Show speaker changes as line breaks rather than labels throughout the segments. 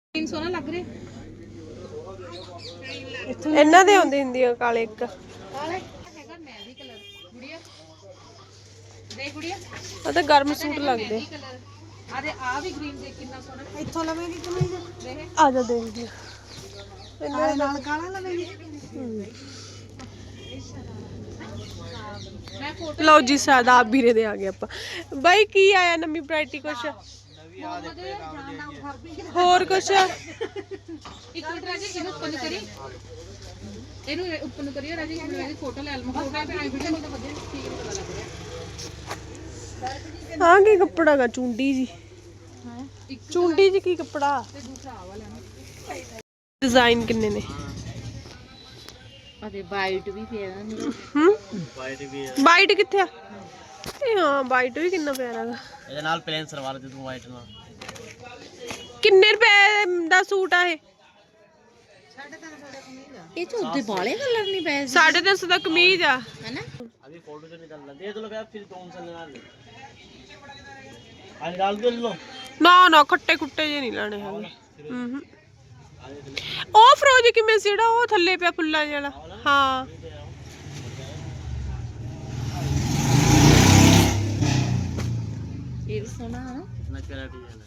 300 ਲੱਗ ਰਹੇ
ਇਹਨਾਂ ਦੇ ਆਉਂਦੀ ਹੁੰਦੀ ਆ ਕਾਲੇ ਇੱਕ
ਕਾਲੇ ਹੈਗਾ ਮੈਦੀ ਕਲਰ ਗੁੜੀਆ ਦੇਖ ਗੁੜੀਆ
ਆ ਤਾਂ ਗਰਮ ਸੂਟ ਲੱਗਦੇ
ਆ ਦੇ ਆ ਵੀ ਗ੍ਰੀਨ ਦੇਖ ਕਿੰਨਾ ਸੋਹਣਾ ਇੱਥੋਂ ਲਵੇਂਗੀ ਕਿ ਨਹੀਂ ਦੇਖ
ਆ ਜਾ ਦੇਖਦੀ
ਇਹਨਾਂ ਨਾਲ ਕਾਲਾ ਲਵੇਂਗੀ ਮੈਂ ਫੋਟੋ
ਲਓ ਜੀ ਸਾਦਾ ਵੀਰੇ ਦੇ ਆ ਗਏ ਆਪਾਂ ਬਾਈ ਕੀ ਆਇਆ ਨਵੀਂ ਵੈਰਾਈਟੀ ਕੁਛ ਹੋਰ ਕੁਛ
ਇੱਕ ਮਿੰਟ ਰਾਜੀ ਇਹਨੂੰ ਉੱਪਰ ਕਰੀ ਇਹਨੂੰ ਉੱਪਰ ਕਰੀਓ ਰਾਜੀ ਮੇਰੀ ਫੋਟੋ ਲੈ ਲਵਾਂ ਫੋਟੋ ਤੇ ਆਈ ਵੀਡੀਓ ਨਹੀਂ ਤਾਂ ਵਧੀਆ ਠੀਕ ਨਹੀਂ ਪਤਾ ਲੱਗ ਰਿਹਾ
ਆ ਕੀ ਕੱਪੜਾ ਗਾ ਚੁੰਡੀ ਜੀ ਚੁੰਡੀ ਜੀ ਕੀ ਕੱਪੜਾ
ਤੇ ਦੂਸਰਾ ਆ ਵਾਲਾ ਨਾ
ਡਿਜ਼ਾਈਨ ਕਿੰਨੇ ਨੇ
ਅਦੇ ਵਾਈਟ ਵੀ ਪਿਆ ਨਾ
ਵਾਈਟ ਵੀ ਹੈ
ਵਾਈਟ ਕਿੱਥੇ ਆ ਇਹ ਹਾਂ ਵਾਈਟ ਵੀ ਕਿੰਨਾ ਪਿਆਰਾ ਗਾ
ਇਹਦੇ ਨਾਲ ਪਲੇਨ ਸਲਵਾਰ ਦੇ ਦੂੰ ਵਾਈਟ ਨਾਲ
ਕਿੰਨੇ ਰੁਪਏ ਦਾ ਸੂਟ ਆ ਇਹ
ਇਹ ਚ ਉੱਤੇ ਬਾਲੇ ਕਲਰ ਨਹੀਂ ਪਏ
350 ਦਾ ਕਮੀਜ਼ ਆ
ਹੈਨਾ
अभी फोटो से निकालना दे दो भैया फिर कौन सा लेना ले आज डाल के लो
ਨਾ ਨਾ ਖੱਟੇ ਖੁੱਟੇ ਜੇ ਨਹੀਂ ਲੈਣੇ ਹੈਗੇ ਹੂੰ ਉਹ ਫਰੋਜ ਕਿਵੇਂ ਸੀ ਜਿਹੜਾ ਉਹ ਥੱਲੇ ਪਿਆ ਫੁੱਲਾਂ ਜਿਹੜਾ ਹਾਂ
ਇਹ ਵੀ ਸੋਹਣਾ ਹੈ ਨਾ
कितना प्यारा डिजाइन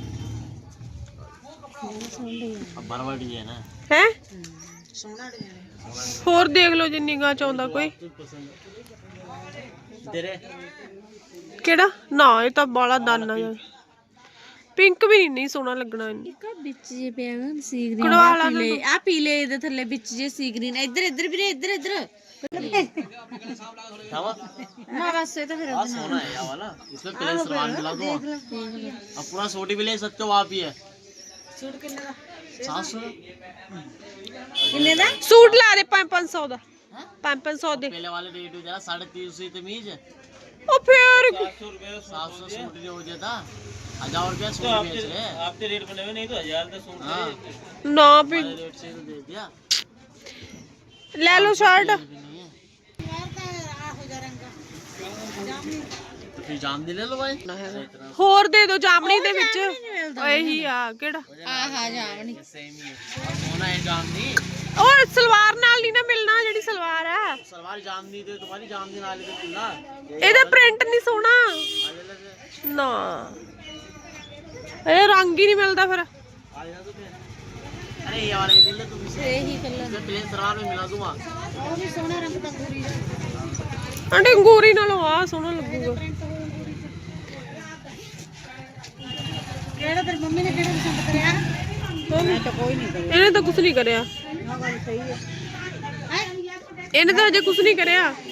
है अब बरवा डिजाइन है
ਹੈ
ਸੋਹਣਾ ਡਿਜ਼ਾਈਨ
ਹੋਰ ਦੇਖ ਲਓ ਜੇ ਨਿਗਾਹ ਚ ਆਉਂਦਾ ਕੋਈ
तेरे
ਕਿਹੜਾ ਨਾ ਇਹ ਤਾਂ ਬਾਲਾ ਦਾਨਾ ਜਿਹਾ ਪਿੰਕ ਵੀ ਨਹੀਂ ਸੋਹਣਾ ਲੱਗਣਾ ਇਹਨੂੰ
ਇੱਕ ਵਿੱਚ ਜੇ ਪਿਆ ਨਾ ਸੀ ਗ੍ਰੀਨ
ਕਢਵਾ ਲਾ
ਪੀਲੇ ਆ ਪੀਲੇ ਦੇ ਥੱਲੇ ਵਿੱਚ ਜੇ ਸੀ ਗ੍ਰੀਨ ਇੱਧਰ ਇੱਧਰ ਵੀਰੇ ਇੱਧਰ ਇੱਧਰ
थावा
ਨਾ ਬਸ ਇਹ ਤਾਂ ਫਿਰ
हां सोना है ये वाला इसमें प्लेन सलवार मिला दो अब पूरा सूट भी ले सकते हो आप ही है
ਸੂਟ ਕਿੰਨੇ ਦਾ
700
ਕਿੰਨੇ ਦਾ
ਸੂਟ ਲਾ ਦੇ 500 ਦਾ 500 ਦੇ
पहले वाले रेट हो जाना 350 तमीज
ਉਹ ਫੇਰ
700 सूट जो हो जाता 1000 रुपया सूट बेच रहे हैं आपके रेट बने हुए नहीं तो 1000 का सूट हां
ਨਾ ਵੀ
रेट से तो दे दिया
ਲੈ ਲਓ ਸ਼ਰਟ
तो फिर जाम दे ले लो भाई
ਹੋਰ ਦੇ ਦਿਓ ਜਾਮਣੀ ਦੇ ਵਿੱਚ ਇਹੀ ਆ ਕਿਹੜਾ
ਆਹਾ ਜਾਵਣੀ
सेम ही है सोना है जामनी
ਉਹ ਸਲਵਾਰ ਨਾਲ ਨਹੀਂ ਨਾ ਮਿਲਣਾ ਜਿਹੜੀ ਸਲਵਾਰ ਆ
सलवार जामनी दे तुम्हारी जामनी नाले तो मिलना
ਇਹਦਾ ਪ੍ਰਿੰਟ ਨਹੀਂ ਸੋਹਣਾ ਨਾ ਇਹ ਰੰਗ ਹੀ ਨਹੀਂ ਮਿਲਦਾ ਫਿਰ
अरे ये वाला ले ले तुम इसे
ਇਹੀ ਕਲਰ
मैं प्लेन सलवार में मिला दूंगा
ਉਹ ਵੀ ਸੋਹਣਾ ਰੰਗ ਤਾਂ ਪੂਰੀ
ਆਂਟੀ ਅੰਗੂਰੀ ਨਾਲੋਂ ਆ ਸੋਹਣਾ ਲੱਗੂਗਾ
ਕਿਹੜਾ ਤੇਰੀ ਮੰਮੀ ਨੇ ਕਿਹੜਾ ਪਸੰਦ ਕਰਿਆ ਮੈਂ ਤਾਂ ਕੋਈ ਨਹੀਂ ਕਰਿਆ
ਇਹਨੇ ਤਾਂ ਕੁਝ ਨਹੀਂ ਕਰਿਆ
ਆਹ ਗੱਲ ਸਹੀ ਹੈ
ਇਹਨੇ ਤਾਂ ਅਜੇ ਕੁਝ ਨਹੀਂ ਕਰਿਆ